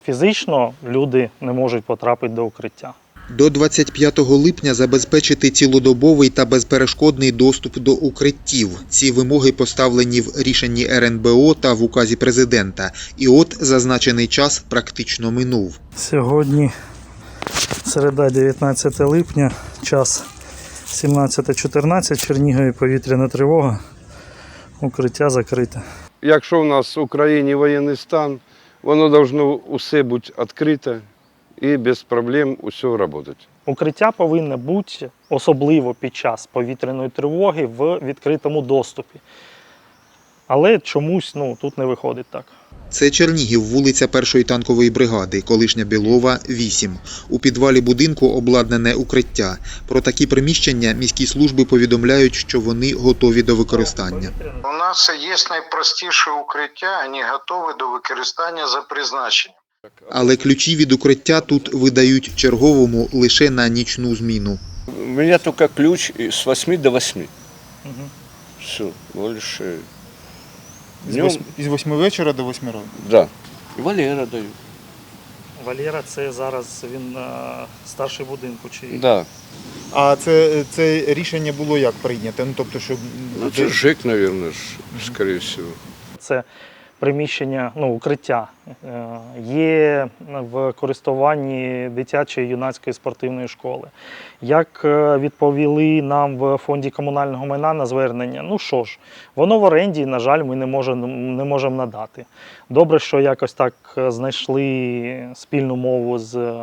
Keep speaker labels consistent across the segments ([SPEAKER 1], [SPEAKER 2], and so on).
[SPEAKER 1] Фізично люди не можуть потрапити до укриття.
[SPEAKER 2] До 25 липня забезпечити цілодобовий та безперешкодний доступ до укриттів. Ці вимоги поставлені в рішенні РНБО та в указі президента. І от зазначений час практично минув.
[SPEAKER 1] Сьогодні середа, 19 липня, час 17:14, в Чернігові повітряна тривога, укриття закрите.
[SPEAKER 3] Якщо в нас в Україні воєнний стан, воно повинно усе бути відкрите і без проблем усе працювати.
[SPEAKER 1] Укриття повинно бути, особливо під час повітряної тривоги, в відкритому доступі. Але чомусь тут не виходить так.
[SPEAKER 2] Це Чернігів, вулиця 1-ї танкової бригади, колишня Білова, 8. У підвалі будинку обладнане укриття. Про такі приміщення міські служби повідомляють, що вони готові до використання.
[SPEAKER 4] У нас є найпростіше укриття, вони готові до використання за призначенням.
[SPEAKER 2] Але ключі від укриття тут видають черговому лише на нічну зміну.
[SPEAKER 5] У меня только ключ с 8 до 8. Все, больше.
[SPEAKER 6] З 8 вечора до 8 ранку?
[SPEAKER 5] Да. И Валера даю.
[SPEAKER 1] Валера, це зараз він старший будинку? Чи...
[SPEAKER 5] Да.
[SPEAKER 6] А це рішення було як прийнято? Тобто, щоб...
[SPEAKER 5] Это ЖЭК, наверное, скорее всего.
[SPEAKER 1] Це приміщення, укриття є в користуванні дитячої юнацької спортивної школи. Як відповіли нам в фонді комунального майна на звернення, воно в оренді, на жаль, ми не можемо надати. Добре, що якось так знайшли спільну мову з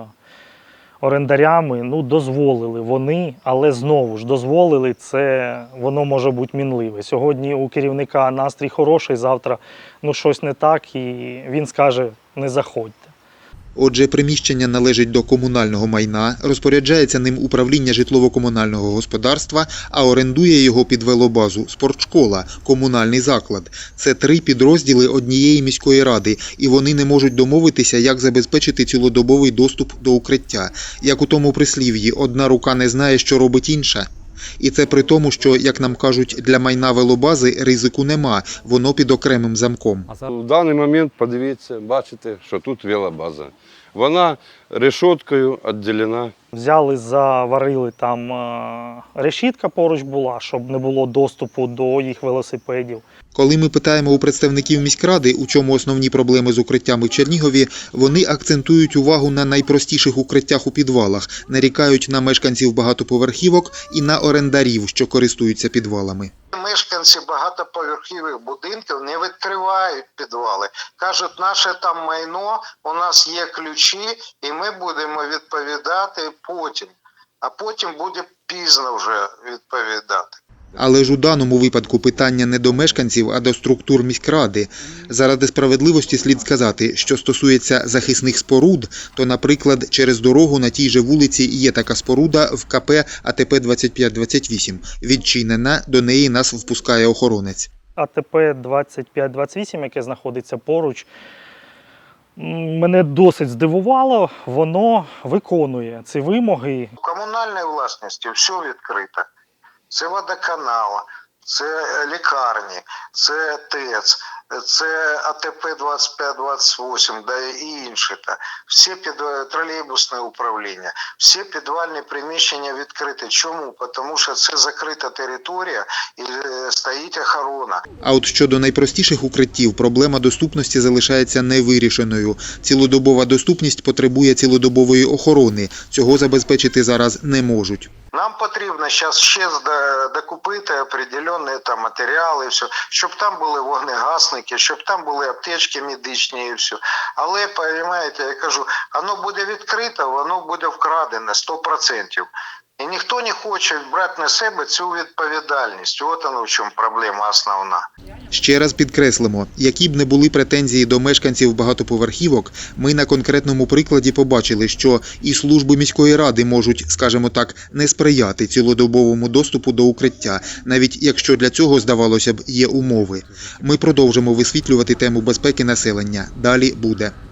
[SPEAKER 1] орендарями, дозволили вони, але знову ж дозволили, це воно може бути мінливе. Сьогодні у керівника настрій хороший, завтра щось не так і він скаже не заходьте.
[SPEAKER 2] Отже, приміщення належить до комунального майна, розпоряджається ним управління житлово-комунального господарства, а орендує його під велобазу спортшкола, комунальний заклад. Це 3 підрозділи однієї міської ради, і вони не можуть домовитися, як забезпечити цілодобовий доступ до укриття. Як у тому прислів'ї, одна рука не знає, що робить інша. І це при тому, що, як нам кажуть, для майна велобази ризику нема, воно під окремим замком.
[SPEAKER 3] В даний момент, подивіться, бачите, що тут велобаза. Вона решеткою відділена.
[SPEAKER 1] Взяли, заварили, там решітка поруч була, щоб не було доступу до їх велосипедів.
[SPEAKER 2] Коли ми питаємо у представників міськради, у чому основні проблеми з укриттями в Чернігові, вони акцентують увагу на найпростіших укриттях у підвалах, нарікають на мешканців багатоповерхівок і на орендарів, що користуються підвалами.
[SPEAKER 4] Мешканці багатоповерхових будинків не відкривають підвали. Кажуть, наше там майно, у нас є ключі, і ми будемо відповідати потім. А потім буде пізно вже відповідати.
[SPEAKER 2] Але ж у даному випадку питання не до мешканців, а до структур міськради. Заради справедливості слід сказати, що стосується захисних споруд, то, наприклад, через дорогу на тій же вулиці є така споруда в КП АТП 2528. Відчинена, до неї нас впускає охоронець.
[SPEAKER 1] АТП 2528, яке знаходиться поруч, мене досить здивувало, воно виконує ці вимоги.
[SPEAKER 4] У комунальній власності все відкрито. Це водоканал, це лікарні, це ТЕЦ, це АТП 2528, да і інші. Всі тролейбусне управління, всі підвальні приміщення відкриті. Чому? Тому що це закрита територія і стоїть охорона.
[SPEAKER 2] А от щодо найпростіших укриттів, проблема доступності залишається невирішеною. Цілодобова доступність потребує цілодобової охорони. Цього забезпечити зараз не можуть.
[SPEAKER 4] Нам потрібно зараз ще докупити определенні матеріали, все, щоб там були вогнегасники, щоб там були аптечки медичні і все. Але, розумієте, я кажу, воно буде відкрито, воно буде вкрадене 100%. І ніхто не хоче брати на себе цю відповідальність. От воно в чому проблема основна.
[SPEAKER 2] Ще раз підкреслимо, які б не були претензії до мешканців багатоповерхівок, ми на конкретному прикладі побачили, що і служби міської ради можуть, скажімо так, не сприяти цілодобовому доступу до укриття, навіть якщо для цього, здавалося б, є умови. Ми продовжимо висвітлювати тему безпеки населення. Далі буде.